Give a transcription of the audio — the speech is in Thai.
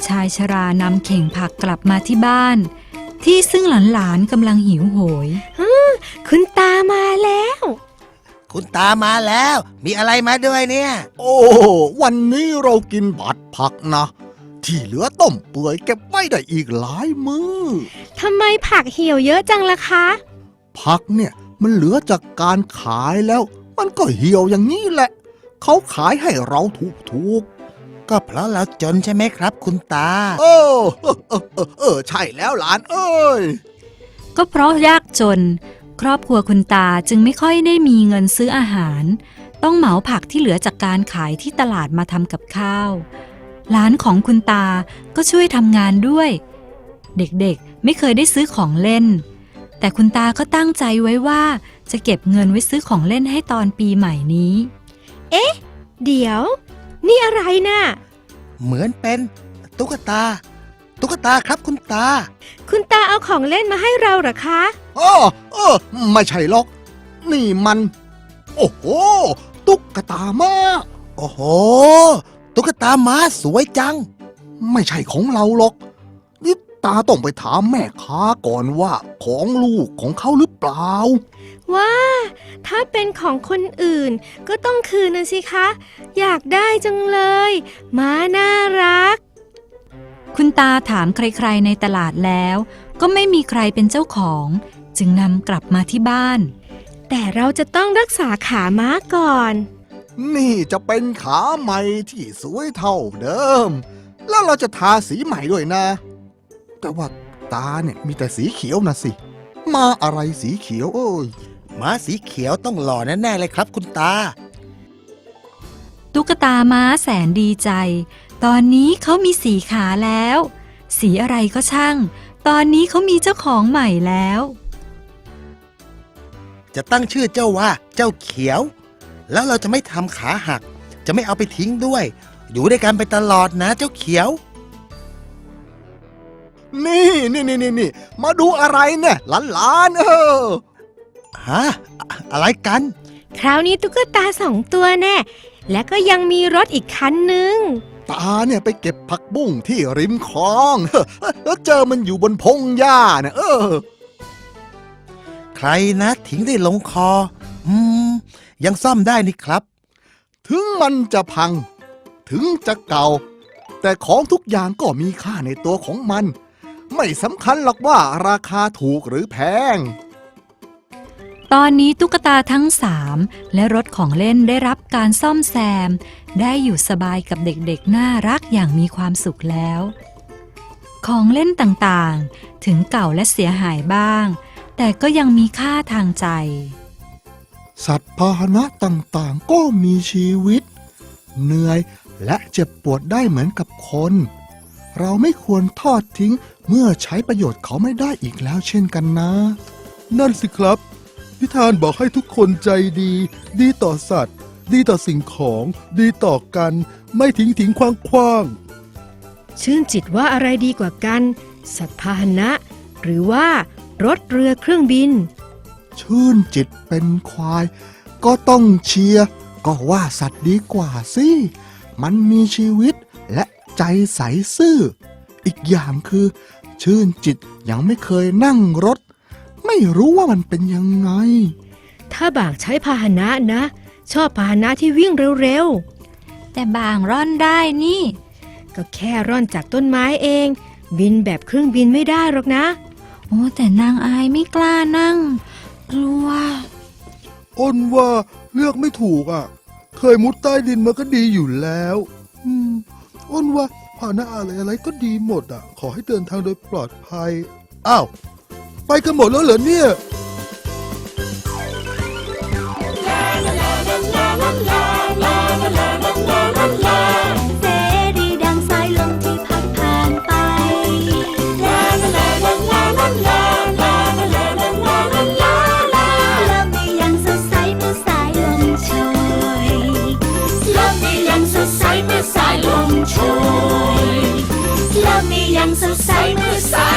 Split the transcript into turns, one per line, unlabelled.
ชายชรานำเข่งผักกลับมาที่บ้านที่ซึ่งหลานๆกำลังหิวโหย
คุณตามาแล้ว
คุณตามาแล้วมีอะไรมาด้วยเนี่ย
โอ้วันนี้เรากินผัดผักนะที่เหลือต้มเปื่อยเก็บไว้ได้อีกหลายมื้อ
ทำไมผักเหี่ยวเยอะจังล่ะคะ
ผักเนี่ยมันเหลือจากการขายแล้วมันก็เหี่ยวอย่างนี้แหละเขาขายให้เราถูก
ก็เพราะเราจนใช่ไหมครับคุณตา
ใช่แล้วหลานเอ้ย
ก็เพราะยากจนครอบครัวคุณตาจึงไม่ค่อยได้มีเงินซื้ออาหารต้องเหมาผักที่เหลือจากการขายที่ตลาดมาทำกับข้าวหลานของคุณตาก็ช่วยทำงานด้วยเด็กๆไม่เคยได้ซื้อของเล่นแต่คุณตาก็ตั้งใจไว้ว่าจะเก็บเงินไว้ซื้อของเล่นให้ตอนปีใหม่นี้
เอ๊ะเดี๋ยวนี่อะไรน่ะ
เหมือนเป็นตุ๊กตาครับคุณตา
เอาของเล่นมาให้เราเหรอคะ
ไม่ใช่หรอกนี่มันโอ้โหตุ๊กตาม้า
โอ้โหตุ๊กตาม้าสวยจัง
ไม่ใช่ของเราหรอกนี่ตาต้องไปถามแม่ค้าก่อนว่าของลูกของเขาหรือเปล่า
ว่าถ้าเป็นของคนอื่นก็ต้องคืนนะสิคะอยากได้จังเลยม้าน่ารัก
คุณตาถามใครๆในตลาดแล้วก็ไม่มีใครเป็นเจ้าของจึงนำกลับมาที่บ้าน
แต่เราจะต้องรักษาขาม้าก่อน
นี่จะเป็นขาใหม่ที่สวยเท่าเดิมแล้วเราจะทาสีใหม่ด้วยนะแต่ว่าตาเนี่ยมีแต่สีเขียวนะสิมาอะไรสีเขียวโอ้ย
ม้าสีเขียวต้องหล่อแน่ๆเลยครับคุณตา
ตุ๊กตาม้าแสนดีใจตอนนี้เขามีสีขาแล้วสีอะไรก็ช่างตอนนี้เขามีเจ้าของใหม่แล้ว
จะตั้งชื่อเจ้าว่าเจ้าเขียวแล้วเราจะไม่ทำขาหักจะไม่เอาไปทิ้งด้วยอยู่ด้วยกันไปตลอดนะเจ้าเขียว
นี่มาดูอะไรเนี่ยหลาน
ฮะอะไรกัน
คราวนี้ตุ๊กตา2 ตัวแน่และก็ยังมีรถอีกคันหนึ่ง
ตาเนี่ยไปเก็บผักบุ้งที่ริมคลองแล้วเจอมันอยู่บนพงหญ้าเนี่ย
ใครนะทิ้งได้ลงคอยังซ่อมได้นี่ครับ
ถึงมันจะพังถึงจะเก่าแต่ของทุกอย่างก็มีค่าในตัวของมันไม่สำคัญหรอกว่าราคาถูกหรือแพง
ตอนนี้ตุ๊กตาทั้ง3และรถของเล่นได้รับการซ่อมแซมได้อยู่สบายกับเด็กๆน่ารักอย่างมีความสุขแล้วของเล่นต่างๆถึงเก่าและเสียหายบ้างแต่ก็ยังมีค่าทางใจ
สัตว์พาหนะต่างๆก็มีชีวิตเหนื่อยและเจ็บปวดได้เหมือนกับคนเราไม่ควรทอดทิ้งเมื่อใช้ประโยชน์เขาไม่ได้อีกแล้วเช่นกันนะ
นั่นสิครับนิทานบอกให้ทุกคนใจดีดีต่อสัตว์ดีต่อสิ่งของดีต่อกันไม่ทิ้งขว้าง
ชื่นจิตว่าอะไรดีกว่ากันสัตว์พาหนะหรือว่ารถเรือเครื่องบิน
ชื่นจิตเป็นควายก็ต้องเชียร์ก็ว่าสัตว์ดีกว่าสิมันมีชีวิตและใจใสซื่ออีกอย่างคือชื่นจิตยังไม่เคยนั่งรถไม่รู้ว่ามันเป็นยังไง
ถ้าบางใช้พาหนะนะชอบพาหนะที่วิ่งเร็ว
ๆแต่บางร่อนได้นี่
ก็แค่ร่อนจากต้นไม้เองบินแบบเครื่องบินไม่ได้หรอกนะ
โอ้แต่นางอายไม่กล้านั่งกลัว
อ้นว่าเลือกไม่ถูกอ่ะเคยมุดใต้ดินมาก็ดีอยู่แล้วอ้นว่าพาหนะอะไรก็ดีหมดอ่ะขอให้เดินทางโดยปลอดภัยอ้าวไปกันหมดแล้วเหรอเนี่ย
เสรีดังสายลมที่พัดผ่านไปโลกนี้ยังสดใสเมื่อสายลมโชยโลกนี้ยังสดใสเมื่อสายลมโชยโลกนี้ยังสดใสเมื่อสาย